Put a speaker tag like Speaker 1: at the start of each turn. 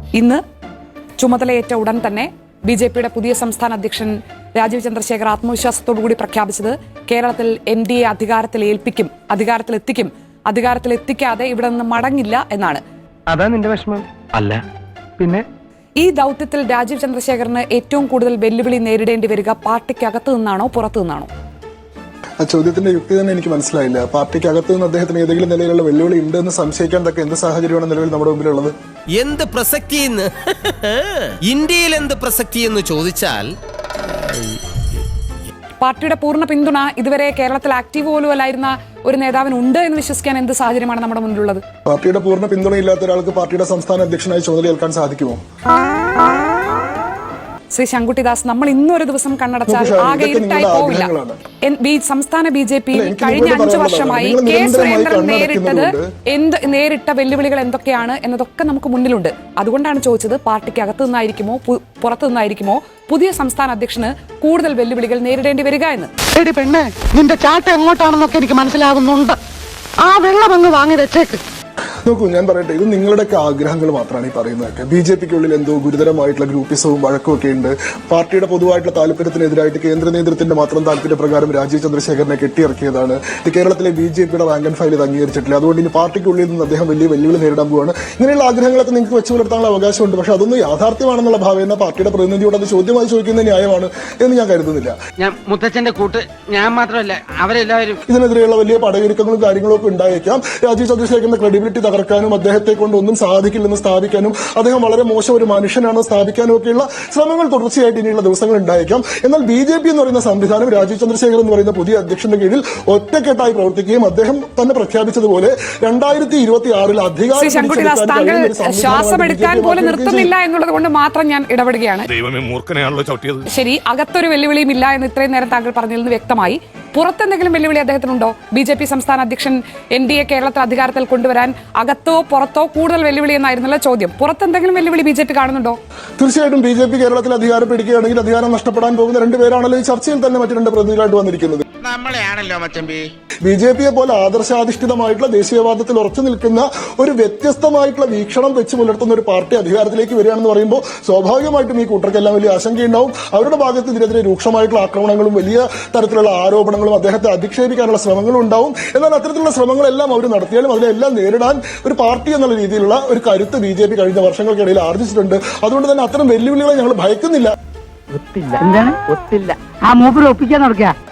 Speaker 1: ഇന്ന് ചുമതലയേറ്റ ഉടൻ തന്നെ ബിജെപിയുടെ പുതിയ സംസ്ഥാന അധ്യക്ഷൻ രാജീവ് ചന്ദ്രശേഖർ ആത്മവിശ്വാസത്തോടുകൂടി പ്രഖ്യാപിച്ചത് കേരളത്തിൽ എൻഡിഎ അധികാരത്തിലെത്തിക്കാതെ ഇവിടെ നിന്ന് മടങ്ങില്ല എന്നാണ്.
Speaker 2: അതാ നിന്റെ വിഷമം? അല്ല പിന്നെ.
Speaker 1: ഈ ദൗത്യത്തിൽ രാജീവ് ചന്ദ്രശേഖറിന് ഏറ്റവും കൂടുതൽ വെല്ലുവിളി നേരിടേണ്ടി വരിക പാർട്ടിക്കകത്തു നിന്നാണോ പുറത്തു നിന്നാണോ?
Speaker 3: ആ ചോദ്യത്തിന്റെ യുക്തി തന്നെ എനിക്ക് മനസ്സിലായില്ല. പാർട്ടിക്കകത്ത് നിന്ന് അദ്ദേഹത്തിന് ഏതെങ്കിലും നിലയിലുള്ള വെല്ലുവിളി ഉണ്ടെന്ന് സംശയിക്കാൻ തക്ക എന്ത് സാഹചര്യമാണ് നിലവിൽ നമ്മുടെ മുമ്പിലുള്ളത്?
Speaker 4: എന്ത് പ്രസക്തി ഇന്ത്യയിൽ എന്ത് പ്രസക്തി എന്ന് ചോദിച്ചാൽ
Speaker 1: പാർട്ടിയുടെ പൂർണ്ണ പിന്തുണ ഇതുവരെ കേരളത്തിൽ ആക്റ്റീവ് പോലും അല്ലായിരുന്ന ഒരു നേതാവിന് ഉണ്ട് എന്ന് വിശ്വസിക്കാൻ എന്ത് സാഹചര്യമാണ് നമ്മുടെ മുന്നിലുള്ളത്?
Speaker 3: പാർട്ടിയുടെ പൂർണ്ണ പിന്തുണയില്ലാത്ത ഒരാൾക്ക് പാർട്ടിയുടെ സംസ്ഥാന അധ്യക്ഷനായി ചുമതലയേൽക്കാൻ സാധിക്കുമോ?
Speaker 1: ശ്രീ ശങ്കുട്ടിദാസ്, നമ്മൾ ഇന്നൊരു ദിവസം കണ്ണടച്ചാൽ ആകെ ഇരുട്ടായി പോവില്ല. സംസ്ഥാന ബിജെപിയിൽ കഴിഞ്ഞ 5 വർഷമായി കെ സുരേന്ദ്രൻ നേരിട്ട വെല്ലുവിളികൾ എന്തൊക്കെയാണ് എന്നതൊക്കെ നമുക്ക് മുന്നിലുണ്ട്. അതുകൊണ്ടാണ് ചോദിച്ചത്, പാർട്ടിക്കകത്തു നിന്നായിരിക്കുമോ പുറത്തു നിന്നായിരിക്കുമോ പുതിയ സംസ്ഥാന അധ്യക്ഷന് കൂടുതൽ വെല്ലുവിളികൾ നേരിടേണ്ടി വരിക എന്ന്.
Speaker 5: പെണ്ണെ, നിന്റെ ചാട്ട എങ്ങോട്ടാണെന്നൊക്കെ എനിക്ക് മനസ്സിലാകുന്നുണ്ട്. ആ വെള്ളം അങ്ങ് വാങ്ങി വെച്ചേക്ക്.
Speaker 3: നോക്കൂ, ഞാൻ പറയട്ടെ, ഇത് നിങ്ങളുടെയൊക്കെ ആഗ്രഹങ്ങൾ മാത്രമാണ് ഈ പറയുന്നതൊക്കെ. ബിജെപിക്കുള്ളിൽ എന്തോ ഗുരുതരമായിട്ടുള്ള ഗ്രൂപ്പിസവും വഴക്കും ഒക്കെ ഉണ്ട്. പാർട്ടിയുടെ പൊതുവായിട്ടുള്ള താല്പര്യത്തിനെതിരായിട്ട് കേന്ദ്ര നേതൃത്വത്തിന്റെ മാത്രം താല്പര്യപ്രകാരം രാജീവ് ചന്ദ്രശേഖരനെ കെട്ടിയിറക്കിയതാണ്. ഇത് കേരളത്തിലെ ബിജെപിയുടെ റാങ്ക് ആൻഡ് ഫയൽ ഇത് അംഗീകരിച്ചിട്ടില്ല. അതുകൊണ്ട് ഇനി പാർട്ടിക്കുള്ളിൽ നിന്ന് അദ്ദേഹം വലിയ വെല്ലുവിളി നേരിടാൻ പോവാണ്. ഇങ്ങനെയുള്ള ആഗ്രഹങ്ങളൊക്കെ നിങ്ങൾക്ക് വെച്ചു പുലർത്താനുള്ള അവകാശമുണ്ട്. പക്ഷെ അതൊന്നും യാഥാർത്ഥ്യമാണെന്നുള്ള ഭാവേന പാർട്ടിയുടെ പ്രതിനിധിയോട് അത് ചോദ്യമായി ചോദിക്കുന്നത് ന്യായമാണ് എന്ന് ഞാൻ കരുതുന്നില്ല.
Speaker 5: ഞാൻ മുത്തച്ഛന്റെ കൂട്ട് ഞാൻ മാത്രമല്ല, അവരെല്ലാവരും
Speaker 3: ഇതിനെതിരെയുള്ള വലിയ പടയൊരുക്കങ്ങളും കാര്യങ്ങളും ഒക്കെ ഉണ്ടായേക്കാം. രാജീവ് ചന്ദ്രശേഖരന്റെ ക്രെഡിബിലിറ്റി തകർക്കാനും അദ്ദേഹത്തെ കൊണ്ട് ഒന്നും സാധിക്കില്ലെന്ന് സ്ഥാപിക്കാനും അദ്ദേഹം വളരെ മോശം ഒരു മനുഷ്യനാണെന്ന് സ്ഥാപിക്കാനും ഒക്കെയുള്ള ശ്രമങ്ങൾ തുടർച്ചയായിട്ട് ഇനിയുള്ള ദിവസങ്ങൾ ഉണ്ടായേക്കാം. എന്നാൽ ബിജെപി എന്ന് പറയുന്ന സംവിധാനം രാജീവ് ചന്ദ്രശേഖർ എന്ന് പറയുന്ന പുതിയ അധ്യക്ഷന്റെ കീഴിൽ ഒറ്റക്കെട്ടായി പ്രവർത്തിക്കുകയും അദ്ദേഹം തന്നെ പ്രഖ്യാപിച്ചതുപോലെ 2026 അധികാരം
Speaker 1: ശ്വാസമെടുക്കാൻ പോലും നിർത്തുന്നില്ല എന്നുള്ളത് കൊണ്ട് മാത്രം ഞാൻ ഇടപെടുകയാണ്. ശരി, അകത്തൊരു വെല്ലുവിളിയും ഇല്ല എന്ന് ഇത്രയും നേരം താങ്കൾ പറഞ്ഞതിൽ നിന്ന് വ്യക്തമായി. പുറത്തെന്തെങ്കിലും വെല്ലുവിളി അദ്ദേഹത്തിനുണ്ടോ? ബിജെപി സംസ്ഥാന അധ്യക്ഷൻ എൻഡിഎ കേരളത്തിൽ അധികാരത്തിൽ കൊണ്ടുവരാൻ അകത്തോ പുറത്തോ കൂടുതൽ വെല്ലുവിളി എന്നായിരുന്നല്ലോ ചോദ്യം. പുറത്തെന്തെങ്കിലും വെല്ലുവിളി ബിജെപി കാണുന്നുണ്ടോ?
Speaker 3: തീർച്ചയായിട്ടും ബിജെപി കേരളത്തിൽ അധികാരം പിടിക്കുകയാണെങ്കിൽ അധികാരം നഷ്ടപ്പെടാൻ പോകുന്ന 2 പേരാണല്ലോ ഈ ചർച്ചയിൽ തന്നെ മറ്റു 2 പ്രതിനിധികളായിട്ട് വന്നിരിക്കുന്നത്. ബിജെപിയെ പോലെ ആദർശാധിഷ്ഠിതമായിട്ടുള്ള ദേശീയവാദത്തിൽ ഉറച്ചു നിൽക്കുന്ന ഒരു വ്യത്യസ്തമായിട്ടുള്ള വീക്ഷണം വെച്ച് പുലർത്തുന്ന ഒരു പാർട്ടി അധികാരത്തിലേക്ക് വരികയാണെന്ന് പറയുമ്പോൾ സ്വാഭാവികമായിട്ടും ഈ കൂട്ടർക്കെല്ലാം വലിയ ആശങ്കയുണ്ടാവും. അവരുടെ ഭാഗത്ത് ഇതിനെതിരെ രൂക്ഷമായിട്ടുള്ള ആക്രമണങ്ങളും വലിയ തരത്തിലുള്ള ആരോപണങ്ങളും അദ്ദേഹത്തെ അധിക്ഷേപിക്കാനുള്ള ശ്രമങ്ങളും ഉണ്ടാവും. എന്നാൽ അത്തരത്തിലുള്ള ശ്രമങ്ങളെല്ലാം അവർ നടത്തിയാലും അതിനെല്ലാം നേരിടാൻ ഒരു പാർട്ടി എന്നുള്ള രീതിയിലുള്ള ഒരു കരുത്ത് ബിജെപി കഴിഞ്ഞ വർഷങ്ങൾക്കിടയിൽ ആർജിച്ചിട്ടുണ്ട്. അതുകൊണ്ട് തന്നെ അത്തരം വെല്ലുവിളികളെ ഞങ്ങൾ ഭയക്കുന്നില്ല.
Speaker 5: ഒത്തില്ല. എന്താണ് ഒത്തില്ല? ആ മൂപ്പര് ഒപ്പിക്കാൻ നടക്കുക.